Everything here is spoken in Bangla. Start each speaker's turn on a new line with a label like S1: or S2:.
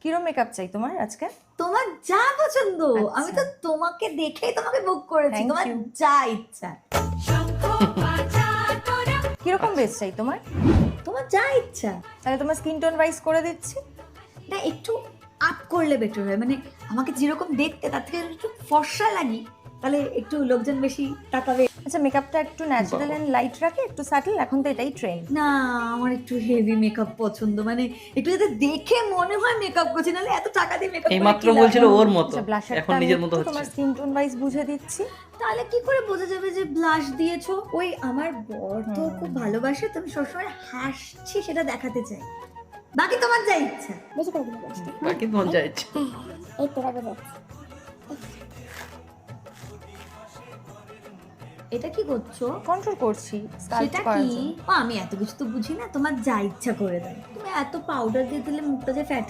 S1: কিরম মেকআপ চাই তোমার আজকে?
S2: তোমার যা পছন্দ। আমি তো তোমাকে দেখেই তোমাকে বুক করেছি।
S1: Thank
S2: তোমার
S1: you.
S2: যা ইচ্ছা।
S1: কিরকম বেস চাই তোমার?
S2: তোমার যা ইচ্ছা।
S1: তাহলে তোমার স্কিন টোন ওয়াইজ করে দিচ্ছি।
S2: না একটু আপ করলে বেটার হয়, মানে আমাকে যেরকম দেখতে তার থেকে একটু ফর্সা লাগি, তাহলে একটু লোকজন বেশি তাকাবে।
S1: আচ্ছা, মেকআপটা একটু ন্যাচারাল এন্ড লাইট রাখে, একটু স্যাটেল, এখন তো এটাই ট্রেন্ড।
S2: না আমার একটু হেভি মেকআপ পছন্দ, মানে একটু যাতে দেখে মনে হয় মেকআপ করছি, নাহলে এত টাকা দিয়ে মেকআপ
S3: এই মাত্র বলছিল ওর মতো,
S1: আচ্ছা, ব্লাশারটা
S3: এখন
S1: আমি
S3: নিজের মতো
S1: একটু
S3: হচ্ছে।
S1: তোমার স্কিন টোন ওয়াইজ বুঝে দিচ্ছি।
S2: তাহলে কি করে বোঝা যাবে যে ব্লাশ দিয়েছো? ওই আমার বর তো খুব ভালোবাসে, তুমি সবসময় হাসছি সেটা দেখাতে চাই। বাকি তোমার যা ইচ্ছা।
S4: বেশি করে দিলে বসতে।
S3: বাকি তোমার যা ইচ্ছে।
S4: এই তো রাখবো যাচ্ছে।
S2: এটা কি করছো?
S1: কন্ট্রোল করছি স্কাল্প
S2: সেটা
S1: করার
S2: কি?
S1: জন্য।
S2: ও আমি এত কিছু তো বুঝি না, তোমার যা ইচ্ছা করে দাও। তুমি এত পাউডার দিয়ে দিলে মুখটা যে ফ্যাট